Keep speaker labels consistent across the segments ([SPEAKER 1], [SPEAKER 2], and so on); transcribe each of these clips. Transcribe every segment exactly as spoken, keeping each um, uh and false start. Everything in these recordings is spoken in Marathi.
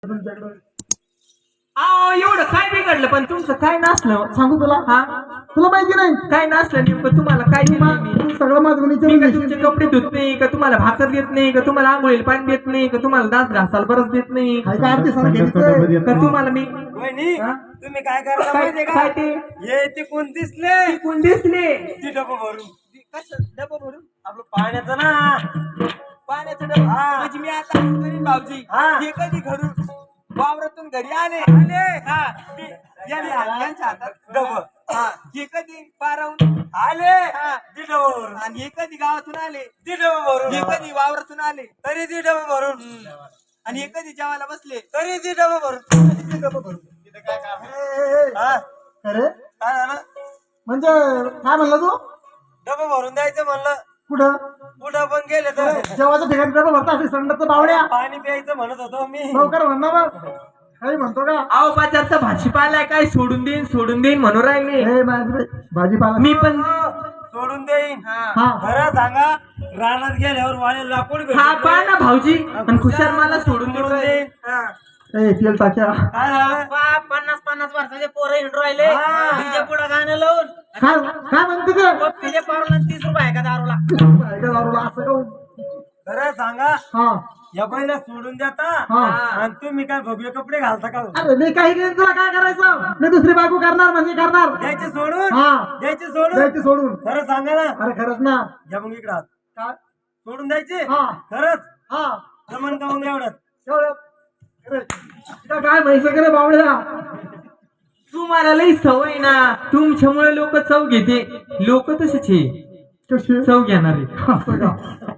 [SPEAKER 1] तुमच्याकडे.
[SPEAKER 2] अहो एवढं काय बिघडलं पण तुमचं काय नसलं
[SPEAKER 1] सांगू तुला
[SPEAKER 2] हा
[SPEAKER 1] तुला माहिती नाही
[SPEAKER 2] काय नसलं नेमकं तुम्हाला काय दिलं मी?
[SPEAKER 1] तू सगळं माझं
[SPEAKER 2] मी
[SPEAKER 1] विचारून
[SPEAKER 2] का
[SPEAKER 1] घेशील.
[SPEAKER 2] तुमचे कपडे धुत नाही का तुम्हाला भाकर देत नाही का तुम्हाला आंघोळीला पाणी देत नाही का तुम्हाला दात घासायला परत देत नाही
[SPEAKER 1] काय का आरती सांग घेतोय.
[SPEAKER 2] का तुम्हाला मी
[SPEAKER 3] वहिनी
[SPEAKER 2] हा?
[SPEAKER 3] तुम्ही काय करता
[SPEAKER 2] काय
[SPEAKER 3] माहितीये
[SPEAKER 2] काय
[SPEAKER 3] का
[SPEAKER 2] ते
[SPEAKER 3] हे ते कोण दिसले
[SPEAKER 2] कोण दिसले
[SPEAKER 3] ती डबं भरून कसं डबं भरून आपलं पाण्याचं ना पाण्याचं डबं हा म्हणजे मी आता असं करीन भाऊजी हे कधी घरून वावरातून घरी आले आले हा मी याने हात- यांच्या हातात डबं हा हे कधी पारावून आले हा ती डबं भरून आणि हे कधी गावातून आले ती डबं भरून हे कधी वावरातून आले तरी ती डबं भरून आणि हे कधी जेवायला बसले तरी ती डबं भरून ती डबं भरून तिथे काय काम आहे? हा
[SPEAKER 1] अरे
[SPEAKER 3] काय झालं
[SPEAKER 1] म्हणजे काय म्हणला तू
[SPEAKER 3] डबं भरून द्यायचं म्हणलं
[SPEAKER 1] कुठं
[SPEAKER 3] कुठं पण गेले तर
[SPEAKER 1] जेवायचं ठिकाणी डबा भरता असे संडाचं बावड्या
[SPEAKER 3] पाणी प्यायचं म्हणत होतो मी
[SPEAKER 1] लवकर म्हणणार काही म्हणतो का
[SPEAKER 2] अहो बाजारचा भाजीपाला काय सोडून देईन सोडून देईन म्हणून राहिले
[SPEAKER 1] हे माझी भाजीपाला
[SPEAKER 2] मी पण
[SPEAKER 3] सोडून देईन
[SPEAKER 1] हा
[SPEAKER 3] खरं सांगा रानात गेल्यावर वाळे लाकूड भेटत
[SPEAKER 2] हा पहा
[SPEAKER 3] नाही.
[SPEAKER 2] ना भाऊजी पण खुशाल मला सोडून देऊन राहिले.
[SPEAKER 3] देईन हा.
[SPEAKER 1] ए तेल टाक्या
[SPEAKER 3] काय झालं
[SPEAKER 4] पन्नास पन्नास वर्षाचे पोरं हिंडू राहिले
[SPEAKER 3] हा.
[SPEAKER 4] डीजे पुढे गाणं लावून
[SPEAKER 1] काय काय म्हणते ते
[SPEAKER 4] पप्पीचे पारून तीस रुपये आहे का दारूला
[SPEAKER 1] ऐका दारूला असं का
[SPEAKER 3] खरं सांगा
[SPEAKER 1] हा
[SPEAKER 3] या पहिल्या सोडून देता
[SPEAKER 1] हा.
[SPEAKER 3] आणि तुम्ही काय भगवे कपडे घालता का
[SPEAKER 1] अरे मी काही घेईन तुला काय करायचं मी दुसरी बायको करणार म्हणजे करणार
[SPEAKER 3] द्यायचे सोडून
[SPEAKER 1] हा
[SPEAKER 3] द्यायचे सोडून
[SPEAKER 1] द्यायची सोडून
[SPEAKER 3] खरं सांगा ना
[SPEAKER 1] अरे खरंच ना
[SPEAKER 3] घ्या मग इकडे हात.
[SPEAKER 1] काय
[SPEAKER 3] सोडून द्यायचे
[SPEAKER 1] हा
[SPEAKER 3] खरंच
[SPEAKER 1] हा
[SPEAKER 3] जमन का मग एवढं
[SPEAKER 1] एवढं. अरे, इथं काय माहिती करे बावड्या
[SPEAKER 2] तुम्हाला लई सवय ना तुमच्यामुळे लोक चव घेते लोक तसेच आहे
[SPEAKER 1] कशी
[SPEAKER 2] चव घेणारे
[SPEAKER 1] असं का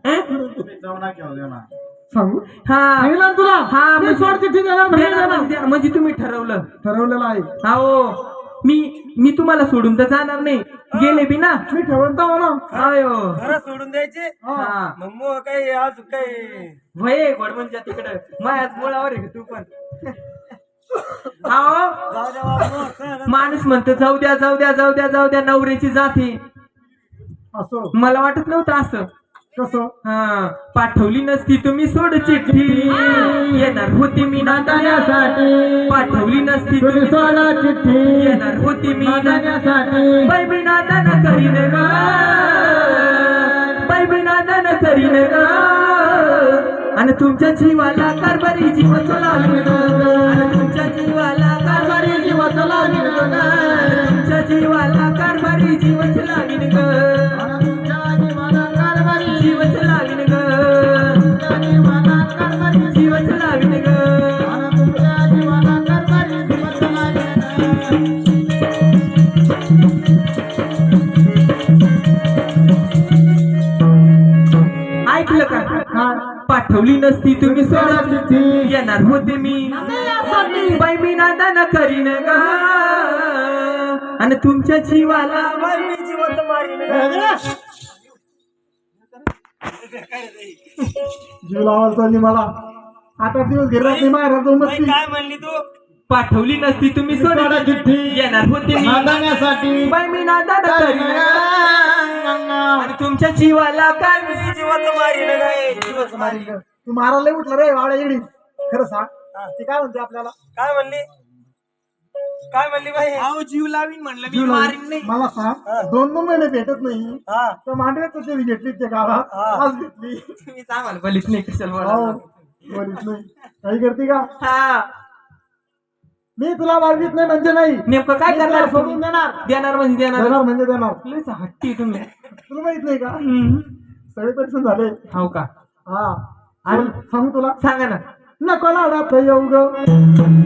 [SPEAKER 1] सांगू
[SPEAKER 2] हा
[SPEAKER 1] सांगितलं ना तुला
[SPEAKER 2] हा
[SPEAKER 1] मी
[SPEAKER 2] म्हणजे-
[SPEAKER 1] सोड चिठ्ठी देणार म्हणजे
[SPEAKER 2] देणार
[SPEAKER 1] देणार.
[SPEAKER 2] म्हणजे- म्हणजे तुम्ही ठरवलं
[SPEAKER 1] ठरवलेलं आहे
[SPEAKER 2] हो मी मी तुम्हाला सोडून तर जाणार नाही गेले बी ना
[SPEAKER 1] मी ठेवून तर ना
[SPEAKER 2] अयो
[SPEAKER 3] खरं सोडून द्यायचे
[SPEAKER 2] हा
[SPEAKER 3] मग मग काही आज काही
[SPEAKER 2] वय घोडमनच्या तिकडं माझ्याच मुळावर आहे तू पण हा
[SPEAKER 3] जाऊ द्या बाबा, खरं.
[SPEAKER 2] माणूस म्हणतो जाऊ द्या जाऊ द्या जाऊ द्या जाऊ द्या नवऱ्याची जाते
[SPEAKER 1] असं
[SPEAKER 2] मला वाटत नव्हतं असं
[SPEAKER 1] कसं
[SPEAKER 2] हा पाठवली नसती तुम्ही सोड चिठ्ठी येणार होती मी नांदण्यासाठी पाठवली नसती तुम्ही सोडा चिठ्ठी येणार होती मी नांदण्यासाठी बाई मी नांदन करीन ग बाई मी नांदन करीन ग आणि तुमच्या जीवाला कारभारी जीव लागेल ग आणि तुमच्या जीवाला कारभारी जीव लागेल ग तुमच्या जीवाला कारभारी जीवच लागेल ग जीवच लागेल ग जीवच लागेल ग ऐकलं का पाठवली नसती तुम्ही सोडा चिठ्ठी येणार होते मी बाई मी नांदन करीन ग आणि तुमच्या जीवाला
[SPEAKER 3] बाई, मी जिवंत मारीन ग.
[SPEAKER 1] जीव लावायचा नाही मला आठ आठ दिवस घेणार नाही माझ्या जाऊन
[SPEAKER 3] बाई,
[SPEAKER 1] बसली
[SPEAKER 3] काय म्हणली तू
[SPEAKER 2] पाठवली नसती तुम्ही सोडा चिठ्ठी येणार होते मी
[SPEAKER 1] नांदण्यासाठी.
[SPEAKER 2] बाई मी नांदन करीन ग आणि तुमच्या जीवाला काय मी
[SPEAKER 3] मी जिवंत मारीन ग, ए, जिवंत मारीन ग.
[SPEAKER 1] तू मारायला लय उठला रे वावड्या इडी खरं सांग ती काय म्हणते आपल्याला
[SPEAKER 3] काय म्हणली काय म्हणली बाई
[SPEAKER 2] अहो जीव लावीन म्हणलं मी
[SPEAKER 1] जीव लावून.
[SPEAKER 2] मारीन नाही
[SPEAKER 1] मला सांग दोन दोन महिने भेटत नाही
[SPEAKER 3] हा
[SPEAKER 1] तर मांडव्यात कशी घेतली त्या गावात
[SPEAKER 3] हा.
[SPEAKER 1] आज घेतली
[SPEAKER 2] तुम्ही आम्हाला बलीच नाही कशाला
[SPEAKER 1] हो
[SPEAKER 2] बोलावं.
[SPEAKER 1] बरीच नाही काही करते का
[SPEAKER 2] हा
[SPEAKER 1] मी तुला मागित नाही म्हणजे नाही
[SPEAKER 2] नेमकं काय
[SPEAKER 1] मी तुला
[SPEAKER 2] करणार
[SPEAKER 1] सोडून देणार
[SPEAKER 2] देणार म्हणजे देणार
[SPEAKER 1] देणार म्हणजे देणार
[SPEAKER 2] लयच हट्टी तुम्ही
[SPEAKER 1] तुला माहित नाही का
[SPEAKER 2] हम्म.
[SPEAKER 1] सगळे परीक्षण झाले
[SPEAKER 2] हो का
[SPEAKER 1] हा आणि सांगू तुला
[SPEAKER 2] सांगा ना
[SPEAKER 1] नको लाडात येऊ ग